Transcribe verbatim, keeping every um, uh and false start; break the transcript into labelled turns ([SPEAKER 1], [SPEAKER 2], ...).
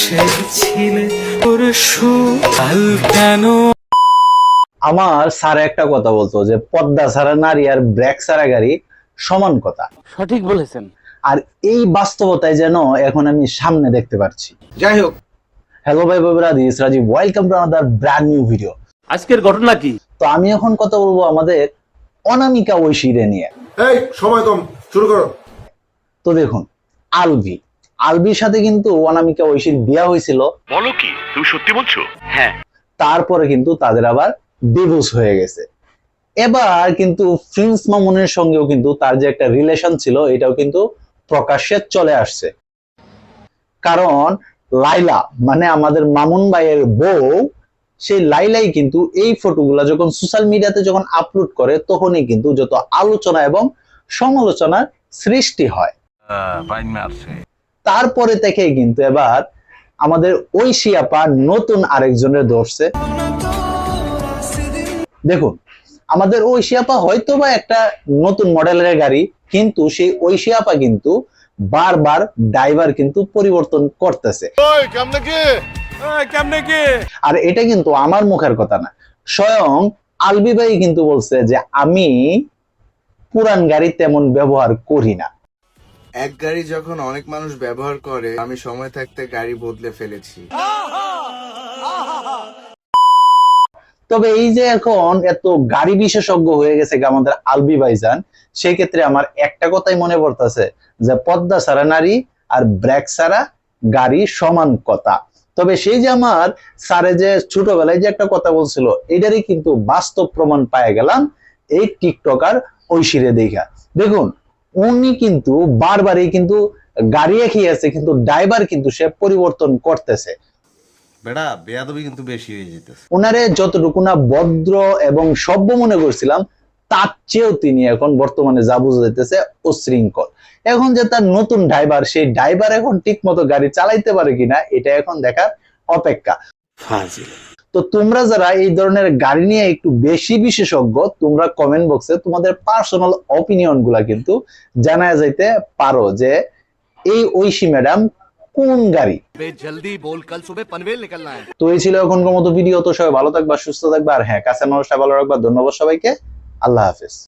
[SPEAKER 1] আমার স্যার একটা কথা বলতো যে পদ্মা ছাড়া নারী আর ব্রেক ছাড়া গাড়ি সমান কথা।
[SPEAKER 2] সঠিক বলেছেন।
[SPEAKER 1] আর এই বাস্তবতায় যেন এখন আমি সামনে দেখতে পাচ্ছি।
[SPEAKER 3] যাই হোক,
[SPEAKER 1] হ্যালো ভাই বাবুরা, this Rajib, welcome to another brand new video.
[SPEAKER 2] আজকের ঘটনা কি?
[SPEAKER 1] তো আমি এখন কথা বলবো আমাদের অনামিকা ঐশীরে নিয়ে।
[SPEAKER 3] এই সময় কম, শুরু করো।
[SPEAKER 1] তো দেখুন, আলভি আলভির সাথে কিন্তু অনামিকা ঐশীর বিয়ে হয়েছিল।
[SPEAKER 4] বলো কি, তুমি সত্যি বলছো? হ্যাঁ।
[SPEAKER 1] তারপরে কিন্তু তাদের আবার ডিভোর্স হয়ে গেছে। এবার কিন্তু প্রিন্স মামুনের সঙ্গেও কিন্তু তার যে একটা রিলেশন ছিল এটাও কিন্তু প্রকাশ্যে চলে আসছে। কারণ লাইলা মানে আমাদের মামুন ভাইয়ের বউ, সেই লাইলাই কিন্তু এই ফটোগুলা যখন সোশ্যাল মিডিয়াতে যখন আপলোড করে তখনই কিন্তু যত আলোচনা এবং সমালোচনার সৃষ্টি হয়। তারপরে থেকে কিন্তু এবার আমাদের ঐশী আপা নতুন আরেকজনের ধরছে। দেখুন, আমাদের ঐশী আপা হয়তো বা একটা নতুন মডেলের গাড়ি, কিন্তু সেই ঐশী আপা কিন্তু বারবার ড্রাইভার কিন্তু পরিবর্তন করতেছে। আর এটা কিন্তু আমার মুখের কথা না, স্বয়ং আলবি ভাই কিন্তু বলছে যে আমি পুরান গাড়ি তেমন ব্যবহার করি না।
[SPEAKER 5] এক গাড়ি যখন অনেক মানুষ ব্যবহার করে, আমি সময় থাকতে গাড়ি বদলে ফেলেছি।
[SPEAKER 1] তবে এই যে এখন এত গাড়ি বিশেষজ্ঞ হয়ে গেছে আমাদের আলবি ভাইজান, সেই ক্ষেত্রে আমার একটা কথাই মনে পড়তেছে যে পদ্মা ছাড়া নারী আর ব্রেক ছাড়া গাড়ি সমান কথা। তবে সেই যে আমার স্যারে যে ছোটবেলায় যে একটা কথা বলছিল, এটারই কিন্তু বাস্তব প্রমাণ পায়ে গেলাম এই টিকটকার ঐশীরে দেখা। দেখুন, উনি কিন্তু বারবারই কিন্তু গাড়ি একই আছে, কিন্তু ড্রাইভার কিন্তু সে পরিবর্তন করতেছে।
[SPEAKER 6] বেটা বেয়াদবি কিন্তু বেশি হয়ে যেতেছে।
[SPEAKER 1] ওনারে যতটুকু না ভদ্র এবং সভ্য মনে করছিলাম, তার চেয়েও তিনি এখন বর্তমানে যা বুঝা যাইতেছে অশৃঙ্খল। এখন যে তার নতুন ড্রাইভার, সেই ড্রাইভার এখন ঠিক মতো গাড়ি চালাইতে পারে কিনা এটা এখন দেখার অপেক্ষা। তো তোমরা যারা এই ধরনের গাড়ি নিয়ে একটু বেশি বিশেষজ্ঞ, তোমরা কমেন্ট বক্সে তোমাদের পার্সোনাল অপিনিয়ন গুলা কিন্তু জানায় যাইতে পারো যে এই ঐশী ম্যাডাম কোন গাড়ি।
[SPEAKER 4] জলদি বল, কাল সুবহ পনভেল নিকলনা है।
[SPEAKER 1] তো এই ছিল এখনকার মতো ভিডিও। তো সবাই ভালো থাকবা, সুস্থ থাকবা, আর হ্যাঁ, কাছের মানুষটা ভালো রাখবা। ধন্যবাদ সবাইকে, আল্লাহ হাফেজ।